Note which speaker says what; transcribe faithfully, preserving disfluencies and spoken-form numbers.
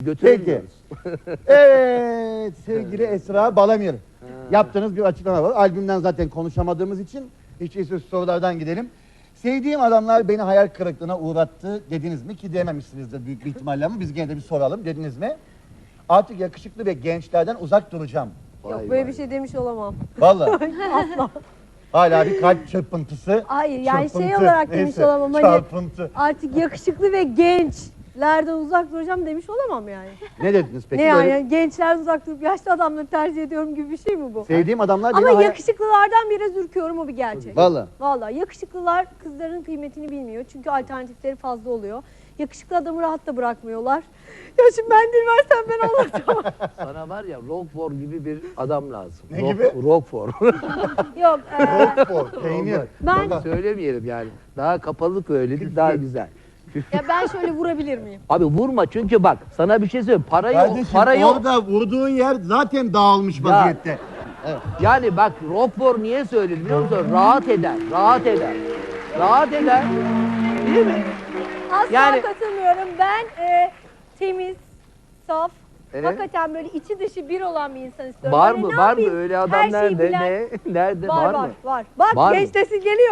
Speaker 1: Peki. Evet sevgili Esra Balamir. Yaptığınız bir açıklama var. Albümden zaten konuşamadığımız için hiç iyisi sorulardan gidelim. Sevdiğim adamlar beni hayal kırıklığına uğrattı dediniz mi? Ki dememişsinizdir büyük bir ihtimalle ama biz gene de bir soralım. Dediniz mi? Artık yakışıklı ve gençlerden uzak duracağım.
Speaker 2: Yok
Speaker 3: Vay
Speaker 2: böyle
Speaker 3: vay.
Speaker 2: bir şey demiş olamam.
Speaker 1: Vallahi
Speaker 2: Asla.
Speaker 1: hala bir kalp çırpıntısı.
Speaker 2: Hayır yani şey
Speaker 1: Çırpıntı,
Speaker 2: olarak demiş
Speaker 1: neyse,
Speaker 2: olamam. Hani
Speaker 1: Çarpıntı.
Speaker 2: artık yakışıklı ve gençlerden uzak duracağım demiş olamam yani.
Speaker 1: Ne dediniz peki?
Speaker 2: ne yani,
Speaker 1: Böyle
Speaker 2: yani gençler uzak durup yaşlı adamları tercih ediyorum gibi bir şey mi bu?
Speaker 1: sevdiğim adamlar beni
Speaker 2: Ama
Speaker 1: hayal...
Speaker 2: yakışıklılardan biraz ürküyorum, o bir gerçek.
Speaker 1: Vallahi.
Speaker 2: Vallahi yakışıklılar kızların kıymetini bilmiyor. Çünkü alternatifleri fazla oluyor. Yakışıklı adamı rahat da bırakmıyorlar. Ya şimdi ben değil versen ben anlatamam.
Speaker 3: Sana var ya Roquefort gibi bir adam lazım.
Speaker 1: Ne
Speaker 3: Rock-
Speaker 1: gibi?
Speaker 3: Roquefort.
Speaker 2: Yok. e,
Speaker 1: Roquefort, peynir.
Speaker 2: Ben-
Speaker 1: Vallahi.
Speaker 3: Söylemeyelim yani. Daha kapalı söyledik daha güzel.
Speaker 2: ya ben şöyle vurabilir miyim?
Speaker 3: Abi vurma çünkü bak sana bir şey söyleyeyim. Parayı
Speaker 1: Kardeşim
Speaker 3: parayı
Speaker 1: orada vurduğun yer zaten dağılmış vaziyette.
Speaker 3: yani bak Roquefort niye söyledi biliyor musun? Rahat eder. Rahat eder. Rahat eder. Değil mi?
Speaker 2: Asla
Speaker 3: Yani-
Speaker 2: katılmıyorum. Ben e, temiz, saf,
Speaker 3: Evet.
Speaker 2: hakikaten böyle içi dışı bir olan bir insan istiyorum.
Speaker 3: Var
Speaker 2: Böyle
Speaker 3: mı?
Speaker 2: ne
Speaker 3: Var mı
Speaker 2: yapayım?
Speaker 3: öyle adam
Speaker 2: Her şeyi
Speaker 3: nerede?
Speaker 2: bilen-
Speaker 3: Ne? Nerede?
Speaker 2: Var
Speaker 3: Var,
Speaker 2: var
Speaker 3: mı?
Speaker 2: var. Bak
Speaker 3: Var mı?
Speaker 2: genç nesil geliyor.